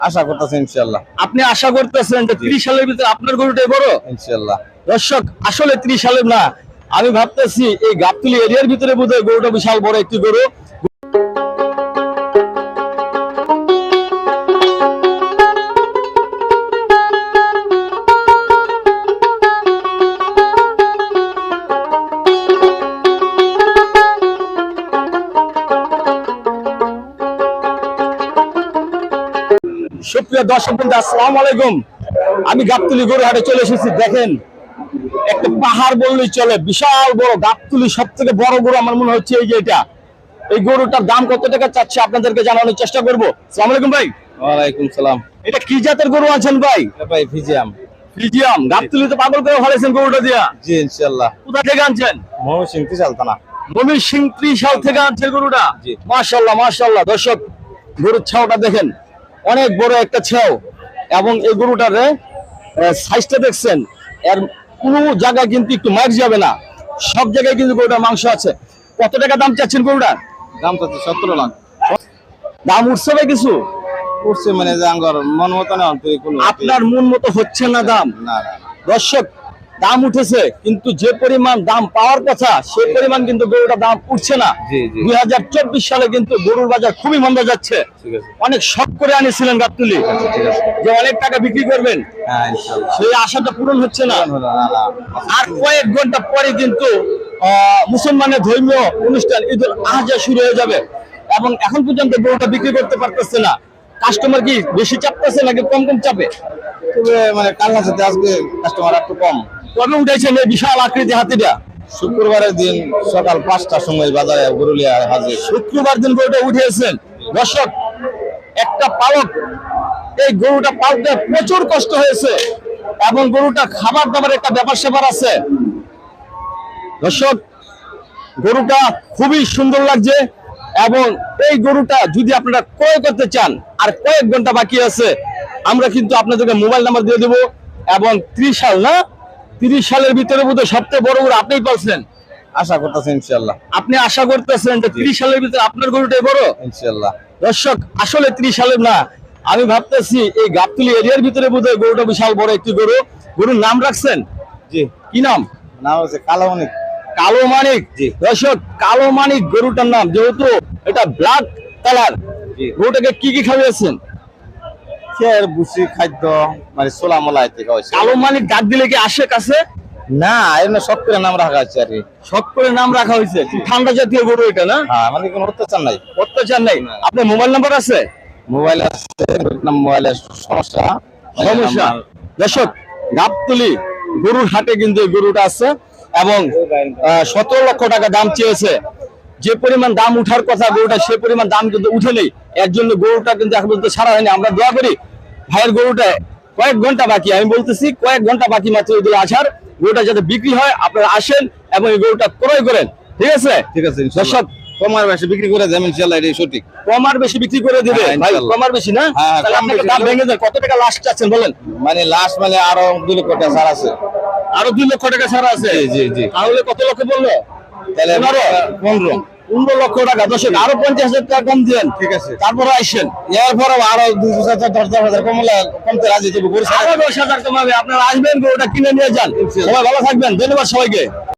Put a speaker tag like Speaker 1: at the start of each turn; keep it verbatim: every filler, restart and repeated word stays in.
Speaker 1: আশা করতেছেন ইনশাআল্লাহ।
Speaker 2: আপনি আশা করতেছেন যে ত্রিশ সালের ভিতরে আপনার গরুটাই বড়
Speaker 1: ইনশাআল্লাহ।
Speaker 2: দর্শক আসলে ত্রিশ সালের না, আমি ভাবতেছি এই গাবতলী এরিয়ার ভিতরে বোধহয় গরুটা বিশাল বড় একটি গরু। সুপ্রিয় দর্শক বন্ধু, আসসালামু আলাইকুম। আমি গাবতলী গরু হাটে চলে এসেছি। দেখেন একটা পাহাড় বললেই চলে, বিশাল বড় গাবতলী সব থেকে বড় গরু আমার মনে হচ্ছে এই যে এটা। এই গরুটার দাম কত টাকা চাচ্ছে আপনাদেরকে জানানোর চেষ্টা করবো। আসসালামু আলাইকুম ভাই।
Speaker 1: ওয়ালাইকুম সালাম।
Speaker 2: এটা কি জাতের গরু আছেন ভাই?
Speaker 1: ভাই ফিজিয়াম।
Speaker 2: ফ্রিজিয়াম। গাবতলীতে পাগল করে ফেলেছেন গরুটা দিয়া।
Speaker 1: জি ইনশাআল্লাহ।
Speaker 2: কোথা থেকে আনছেন?
Speaker 1: ময়মনসিংহ ত্রিশালতানা।
Speaker 2: ময়মনসিংহ ত্রিশাল থেকে আনছেন গরুটা।
Speaker 1: জি।
Speaker 2: মাশাআল্লাহ মাশাআল্লাহ। দর্শক গরুর ছাওটা দেখেন, অনেক বড় একটা ছাও, এবং এই গরুটার সাইজটা দেখছেন, এর কোনো জায়গায় কিন্তু একটু মার্ক যাবে না, সব জায়গায় কিন্তু গরুটার মাংস আছে। কত টাকা দাম চাচ্ছেন গরুটার?
Speaker 1: দাম তো সতেরো লাখ।
Speaker 2: দাম উঠছে ভাই কিছু?
Speaker 1: উঠছে মানে যে আঙ্গর মন মতো না তুই কোন
Speaker 2: আপনার মন মতো হচ্ছে না দাম?
Speaker 1: না না।
Speaker 2: দর্শক দাম উঠেছে, কিন্তু যে পরিমাণ দাম পাওয়ার কথা সেই পরিমাণ কিন্তু গরুটার দাম উঠছে না।
Speaker 1: জি জি।
Speaker 2: দুই হাজার চব্বিশ সালে কিন্তু গরুর বাজার খুবই মন্দা যাচ্ছে।
Speaker 1: ঠিক আছে।
Speaker 2: অনেক শখ করে আনিছিলেন গাবতলী
Speaker 1: ঠিক আছে।
Speaker 2: যে অনেক টাকা বিক্রি করবেন,
Speaker 1: হ্যাঁ ইনশাআল্লাহ।
Speaker 2: সেই আশাটা পূরণ হচ্ছে না।
Speaker 1: না না না।
Speaker 2: আর কয়েক ঘন্টা পরে কিন্তু আহ, মুসলমানের ধর্মীয় অনুষ্ঠান ঈদুল আজহা শুরু হয়ে যাবে, এবং এখন পর্যন্ত গরুটা বিক্রি করতে পারতেছে না। কাস্টমার কি বেশি চাপতেছে নাকি কম কম চাপে?
Speaker 1: তবে মানে কালনা সাথে আজকে কাস্টমার একটু কম।
Speaker 2: কবে উঠেছেন এই বিশাল আকৃতি হাতিটা?
Speaker 1: শুক্রবারের দিন সকাল পাঁচটার সময় বাজারে গরুলিয়া হাজির।
Speaker 2: শুক্রবার দিন গরুটা উঠেছেন। দর্শক একটা পালক এই গরুটা পালতে প্রচুর কষ্ট হয়েছে, এবং গরুটা খাবার দাবার একটা ব্যাপার স্যাপার আছে। দর্শক গরুটা খুবই সুন্দর লাগছে, এবং এই গরুটা যদি আপনারা ক্রয় করতে চান, আর কয়েক ঘন্টা বাকি আছে, আমরা কিন্তু আপনাদেরকে মোবাইল নাম্বার দিয়ে দেবো। এবং ত্রিশ সাল না, তিরিশ সালের ভিতরে বোধহয় সবচেয়ে বড় গরু আপনিই পাচ্ছেন।
Speaker 1: আশা করতেছেন ইনশাআল্লাহ।
Speaker 2: আপনি আশা করতেছেন যে ত্রিশ সালের ভিতরে আপনার গরুটাই বড়?
Speaker 1: ইনশাআল্লাহ।
Speaker 2: দর্শক আসলে ত্রিশ সালের না, আমি ভাবতেছি এই গাবতলী এরিয়ার ভিতরে বোধহয় গরুটা বিশাল বড় একটি গরু। গরুর নাম রাখছেন?
Speaker 1: জি।
Speaker 2: কি নাম?
Speaker 1: নাম হচ্ছে কালো অনেক।
Speaker 2: কালো মানিক।
Speaker 1: জি।
Speaker 2: দর্শক কালো মানিক গরুটার নাম, যেহেতু এটা ব্ল্যাক কালার।
Speaker 1: জি।
Speaker 2: গরুটাকে কি কি খাওয়াইছেন?
Speaker 1: খের বুসি খাদ্য মানে সোলা মোলা থেকে হয়েছে।
Speaker 2: কালো মানিক ডাক দিলে কি আসে কাছে?
Speaker 1: না এমনি সব করে নাম রাখা আছে আর কি।
Speaker 2: শখ করে নাম রাখা হয়েছে। ঠান্ডা জাতীয় গরু এটা না?
Speaker 1: হ্যাঁ মানে কোনো অত্যাচার নাই।
Speaker 2: অত্যাচার নাই। আপনার মোবাইল নাম্বার আছে?
Speaker 1: মোবাইল আছে, মোবাইলের সমস্যা
Speaker 2: সমস্যা। দর্শক গাবতলী গরুর হাটে কিন্তু এই গরুটা আছে, এবং সতেরো লক্ষ টাকা দাম চেয়েছে। যে পরিমাণ দাম উঠার কথা গরুটা, সে পরিমাণ দাম কিন্তু উঠে নেই। এর জন্য গরুটা কিন্তু এখন পর্যন্ত ছাড়া হয়নি। আমরা দোয়া করি ভাইয়ের গরুটা কয়েক ঘন্টা বাকি, আমি বলতেছি কয়েক ঘন্টা বাকি মাত্র ঈদুল আজহার, গরুটা যাতে বিক্রি হয় আপনারা আসেন এবং এই গরুটা ক্রয় করেন। ঠিক আছে?
Speaker 1: ঠিক আছে।
Speaker 2: দর্শক
Speaker 1: কমার বেশি বিক্রি করে দেবেন ইনশাআল্লাহ, এটাই সঠিক।
Speaker 2: কম আর বেশি বিক্রি করে দিবে
Speaker 1: হ্যাঁ,
Speaker 2: ভাই?
Speaker 1: ইনশাআল্লাহ।
Speaker 2: কম আর বেশি না?
Speaker 1: হ্যাঁ,
Speaker 2: তাহলে
Speaker 1: কম
Speaker 2: আপনাকে
Speaker 1: বেশি
Speaker 2: দাম
Speaker 1: হলেও-
Speaker 2: ভেঙে দেন। কত টাকা লাস্ট চাচ্ছেন বলেন?
Speaker 1: মানে লাস্ট মানে আরো দুই লক্ষ টাকা ছাড় আছে।
Speaker 2: আরো দুই লক্ষ টাকা ছাড়া আছে?
Speaker 1: জি জি জি।
Speaker 2: তাহলে কত লক্ষ বললো?
Speaker 1: তাহলে
Speaker 2: পনেরো?
Speaker 1: পনেরো।
Speaker 2: পনেরো লক্ষ টাকা। দর্শক আরো পঞ্চাশ হাজার টাকা কম দিলেন।
Speaker 1: ঠিক আছে।
Speaker 2: তারপরে আইসেন
Speaker 1: এরপরে আরো দুই দশ হাজার কমলে কমতে রাজি দেবো।
Speaker 2: আরো দশ হাজার কমাবে। আপনারা আসবেন, গরুটা কিনে নিয়ে যান। সবাই ভালো থাকবেন। ধন্যবাদ সবাইকে।